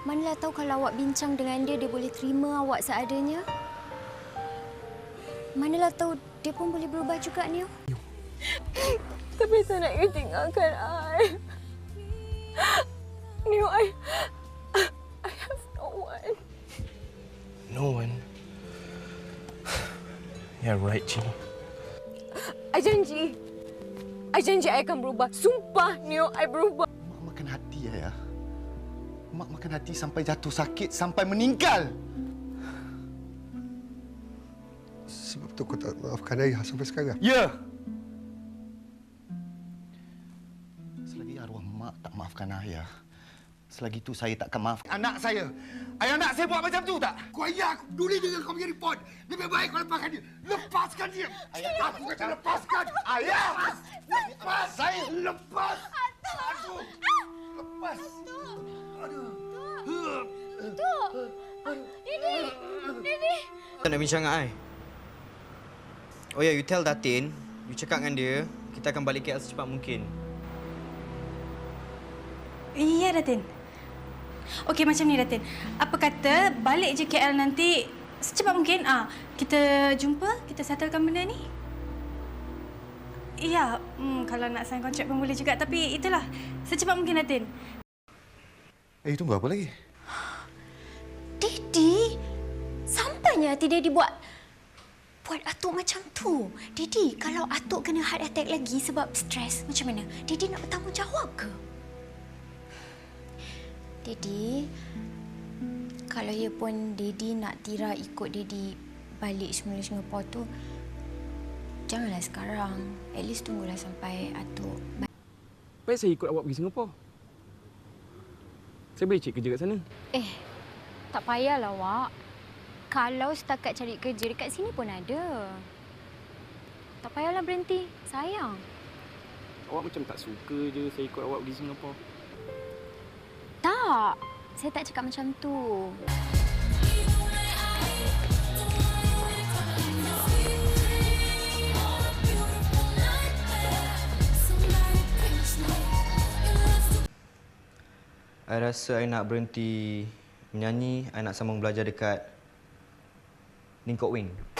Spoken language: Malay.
Manalah tahu kalau awak bincang dengan dia, dia boleh terima awak seadanya. Manalah tahu dia pun boleh berubah juga, Nio. Tapi saya nak you tinggalkan I. Nio, I have no one. No one? You're right, Cini. I janji I akan berubah. Sumpah, Nio, I berubah. Mak makan hati, Ayah. Mak makan hati sampai jatuh sakit, sampai meninggal. Sebab tu kau tak maafkan Ayah sampai sekarang? Ya! Selagi arwah mak tak maafkan Ayah, selagi itu saya takkan maafkan anak saya. Ayah nak saya buat macam tu tak? Kau ayah aku peduli dengan kau punya report. Lebih baik kau lepaskan dia. Lepaskan dia! Ayah, Aku kata lepaskan! Ayah! Lepas! Saya Lepas! Aduh! Lepas! Aduh! Didi! Tak nak bincang dengan I. Oh ya, you tell Datin, you cakap dengan dia, kita akan balik KL secepat mungkin. Ya, Datin. Okey, macam ni, Datin. Apa kata balik je KL nanti secepat mungkin. Kita jumpa, kita settlekan benda ni. Ya, kalau nak sign kontrak pun boleh juga. Tapi itulah, secepat mungkin, Datin. tunggu apa lagi? Didi! Sampainya hati Didi buat Atuk macam tu. Didi, kalau Atuk kena heart attack lagi sebab stres, macam mana? Didi nak bertanggungjawab ke? Didi, kalau ya pun Didi nak Tira ikut Didi balik semula Singapura tu, janganlah sekarang. At least tunggulah sampai Atuk Baik saya ikut awak pergi Singapura. Saya boleh cari kerja kat sana. tak payahlah, Wak. Kalau setakat cari kerja dekat sini pun ada. Tak payahlah berhenti. Sayang. Awak macam tak suka je saya ikut awak pergi Singapura. Tak. Saya tak cakap macam tu. I rasa I nak berhenti menyanyi, I nak sambung belajar dekat Ning Kok Wing.